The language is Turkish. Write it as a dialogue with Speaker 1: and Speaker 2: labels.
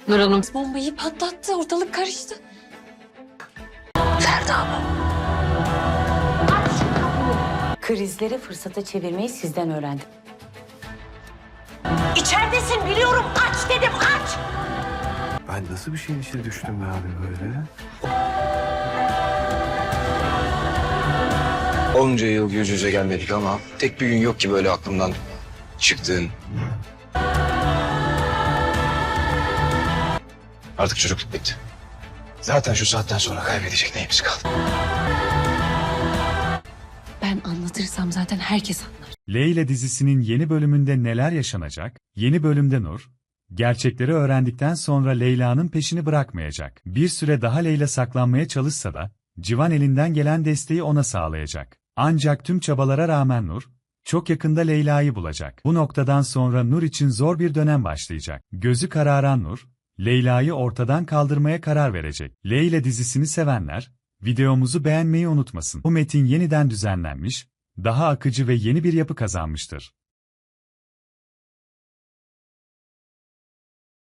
Speaker 1: Nur Hanım bombayı patlattı. Ortalık karıştı. Ferda mı?
Speaker 2: Krizleri fırsata çevirmeyi sizden öğrendim.
Speaker 3: İçeridesin biliyorum. Aç dedim, aç.
Speaker 4: Ben nasıl bir şeyin içine düştüm be abi böyle?
Speaker 5: Onca yıl yüz yüze gelmedik ama tek bir gün yok ki böyle aklımdan çıktığın. Artık çocukluk bitti. Zaten şu saatten sonra kaybedecek neyimiz kaldı?
Speaker 1: Ben anlatırsam zaten herkes anlar.
Speaker 6: Leyla dizisinin yeni bölümünde neler yaşanacak? Yeni bölümde Nur, gerçekleri öğrendikten sonra Leyla'nın peşini bırakmayacak. Bir süre daha Leyla saklanmaya çalışsa da, Civan elinden gelen desteği ona sağlayacak. Ancak tüm çabalara rağmen Nur, çok yakında Leyla'yı bulacak. Bu noktadan sonra Nur için zor bir dönem başlayacak. Gözü kararan Nur, Leyla'yı ortadan kaldırmaya karar verecek. Leyla dizisini sevenler, videomuzu beğenmeyi unutmasın. Bu metin yeniden düzenlenmiş, daha akıcı ve yeni bir yapı kazanmıştır.